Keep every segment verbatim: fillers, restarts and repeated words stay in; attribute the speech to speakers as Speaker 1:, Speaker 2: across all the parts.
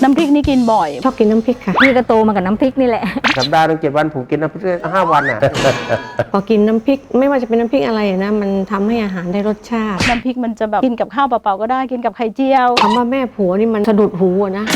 Speaker 1: น้ำพริกนี่กินบ่อย
Speaker 2: ชอบกินน้ำพริกค่ะ
Speaker 3: พี่ก็โตมากับน้ำพริกนี่แหละ
Speaker 4: สัปดาห์หนึ่งเจ็ดวันผมกินน้ำพริกห้าวันอ่ะ
Speaker 2: พอกินน้ำพริกไม่ว่าจะเป็นน้ำพริกอะไรนะมันทำให้อาหารได้รสชาติ
Speaker 1: น้ำพริกมันจะแบบกินกับข้าวเปล่าๆก็ได้กินกับไข่เจียว
Speaker 2: คำว่าแม่ผัวนี่มันสะดุดหูนะ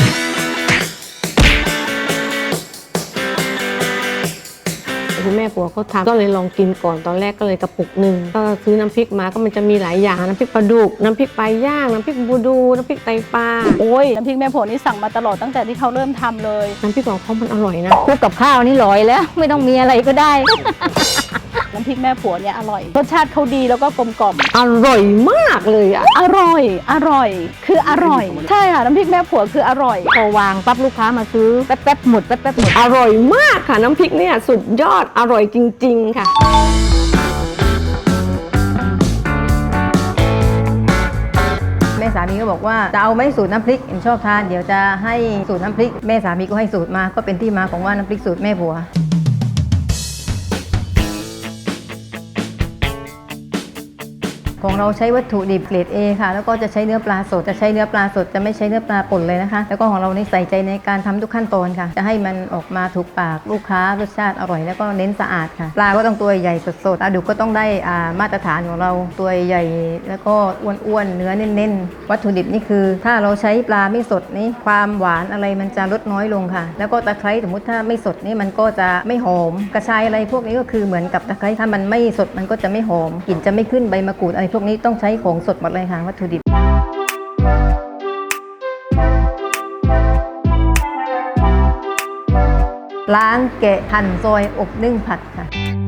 Speaker 2: คุณแม่ผัวเขาทำก็เลยลองกินก่อนตอนแรกก็เลยกระปุกหนึ่งก็ซื้อน้ำพริกมาก็มันจะมีหลายอย่างน้ำพริกปลาดุกน้ำพริกปลาย่างน้ำพริกบูดูน้ำพริกไตปลา
Speaker 1: โอ้ยน้ำพริกแม่ผัวนี่สั่งมาตลอดตั้งแต่ที่เขาเริ่มทำเลย
Speaker 2: น้ำพริกของเขามันอร่อยนะ
Speaker 3: คลุกกับข้าวนี่ลอยแล้วไม่ต้องมีอะไรก็ได้
Speaker 1: น้ำพริกแม่ผัวเนี่ยอร่อยรสชาติเขาดีแล้วก็กลมกล่อม
Speaker 2: อร่อยมากเลยอ่ะ
Speaker 1: อร่อยอร่อยคืออร่อยใช่ค่ะน้ำพริกแม่ผัวคืออร่อย
Speaker 3: พอวางปั๊บลูกค้ามาซื้อแป๊บๆหมดแป๊บๆหมด
Speaker 2: อร่อยมากค่ะน้ำพริกเนี่ยสุดยอดอร่อยจริงๆค่ะ
Speaker 5: แม่สามีก็บอกว่าจะเอาไหมสูตรน้ำพริกเอ็นชอบทานเดี๋ยวจะให้สูตรน้ำพริกแม่สามีก็ให้สูตรมาก็เป็นที่มาของว่าน้ำพริกสูตรแม่ผัวของเราใช้วัตถุดิบเกรด เอ ค่ะแล้วก็จะใช้เนื้อปลาสดจะใช้เนื้อปลาสดจะไม่ใช้เนื้อปลาป่นเลยนะคะแล้วก็ของเราในใส่ใจในการทำทุกขั้นตอนค่ะจะให้มันออกมาถูกปากลูกค้ารสชาติอร่อยแล้วก็เน้นสะอาดค่ะปลาก็ต้องตัวใหญ่สดๆปลาดุกก็ต้องได้มาตรฐานของเราตัวใหญ่แล้วก็อ้วนๆเนื้อเน้นๆวัตถุดิบนี่คือถ้าเราใช้ปลาไม่สดนี่ความหวานอะไรมันจะลดน้อยลงค่ะแล้วก็ตะไคร้สมมติถ้าไม่สดนี่มันก็จะไม่หอมกระชายอะไรพวกนี้ก็คือเหมือนกับตะไคร้ถ้ามันไม่สดมันก็จะไม่หอมกลิ่นจะไม่ขึ้นใบมะกรูดอะไรพวกนี้ต้องใช้ของสดหมดเลยค่ะวัตถุดิบล้างแกะหั่นซอยอบนึ่งผัดค่ะ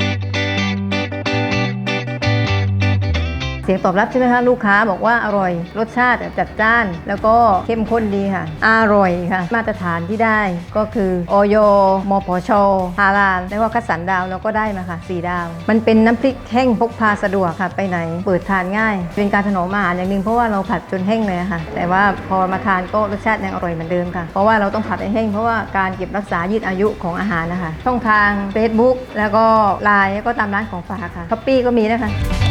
Speaker 5: เสียงตอบรับใช่ไหมคะลูกค้าบอกว่าอร่อยรสชาติจัดจ้านแล้วก็เข้มข้นดีค่ะอร่อยค่ะมาตรฐานที่ได้ก็คืออย มผช ฮาลาลแล้วก็คัดสรรดาวแล้วก็ได้มาค่ะสี่ดาวมันเป็นน้ำพริกแห้งพกพาสะดวกค่ะไปไหนเปิดทานง่ายเป็นการถนอมอาหารอย่างหนึ่งเพราะว่าเราผัดจนแห้งเลยค่ะแต่ว่าพอมาทานก็รสชาติยังอร่อยเหมือนเดิมค่ะเพราะว่าเราต้องผัดให้แห้งเพราะว่าการเก็บรักษายืดอายุของอาหารนะคะช่องทาง Facebook แล้วก็ไลน์แล้วก็ตามร้านของฝากค่ะช้อปปี้ก็มีนะคะ